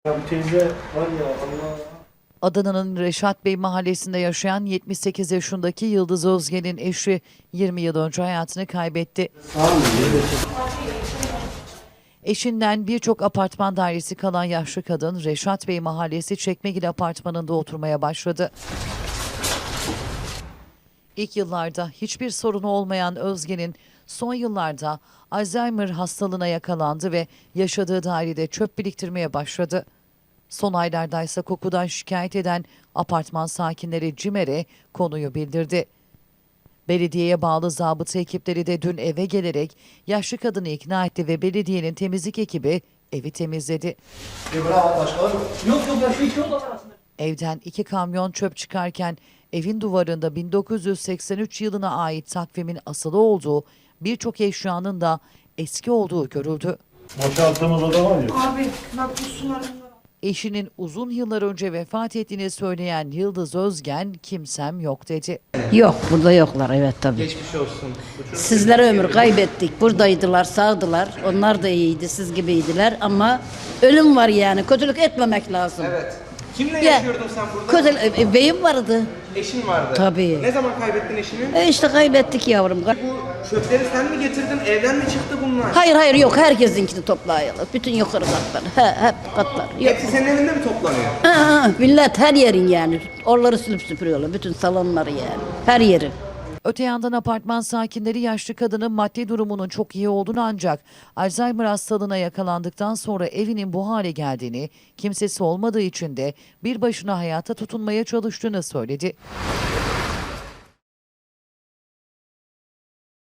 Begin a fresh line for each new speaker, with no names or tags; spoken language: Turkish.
Ya bu teyze var ya Allah.
Adana'nın Reşat Bey mahallesinde yaşayan 78 yaşındaki Yıldız Özgen'in eşi 20 yıl önce hayatını kaybetti.
Sağ olun.
Eşinden birçok apartman dairesi kalan yaşlı kadın Reşat Bey mahallesi Çekmegil apartmanında oturmaya başladı. İlk yıllarda hiçbir sorunu olmayan Özgen'in son yıllarda Alzheimer hastalığına yakalandı ve yaşadığı dairede çöp biriktirmeye başladı. Son aylarda ise kokudan şikayet eden apartman sakinleri CİMER'e konuyu bildirdi. Belediyeye bağlı zabıta ekipleri de dün eve gelerek yaşlı kadını ikna etti ve belediyenin temizlik ekibi evi temizledi.
Bravo başkanım.
Yok başka hiç yok aslında.
Evden 2 kamyon çöp çıkarken evin duvarında 1983 yılına ait takvimin asılı olduğu birçok eşyanın da eski olduğu görüldü.
Boşalttığımız oda var ya.
Abi bak bu sular bunlar.
Eşinin uzun yıllar önce vefat ettiğini söyleyen Yıldız Özgen kimsem yok dedi.
Yok, burada yoklar, evet tabii.
Geçmiş olsun.
Sizlere ömür kaybettik. Buradaydılar, sağdılar. Onlar da iyiydi, siz gibiydiler ama ölüm var yani. Kötülük etmemek lazım.
Evet. Kimle
Ya,
yaşıyordun sen burada?
Beyim vardı.
Eşin vardı.
Tabii.
Ne zaman kaybettin eşini?
İşte kaybettik yavrum.
Bu çöpleri sen mi getirdin? Evden mi çıktı bunlar?
Hayır yok, herkesinkini toplayalım. Bütün yukarı katlar. Hep katlar. Yok.
Hepsi senin evinde mi toplanıyor?
Millet her yerin yani. Oraları silip süpürüyorlar. Bütün salonları yani. Her yeri.
Öte yandan apartman sakinleri yaşlı kadının maddi durumunun çok iyi olduğunu ancak Alzheimer hastalığına yakalandıktan sonra evinin bu hale geldiğini, kimsesi olmadığı için de bir başına hayata tutunmaya çalıştığını söyledi.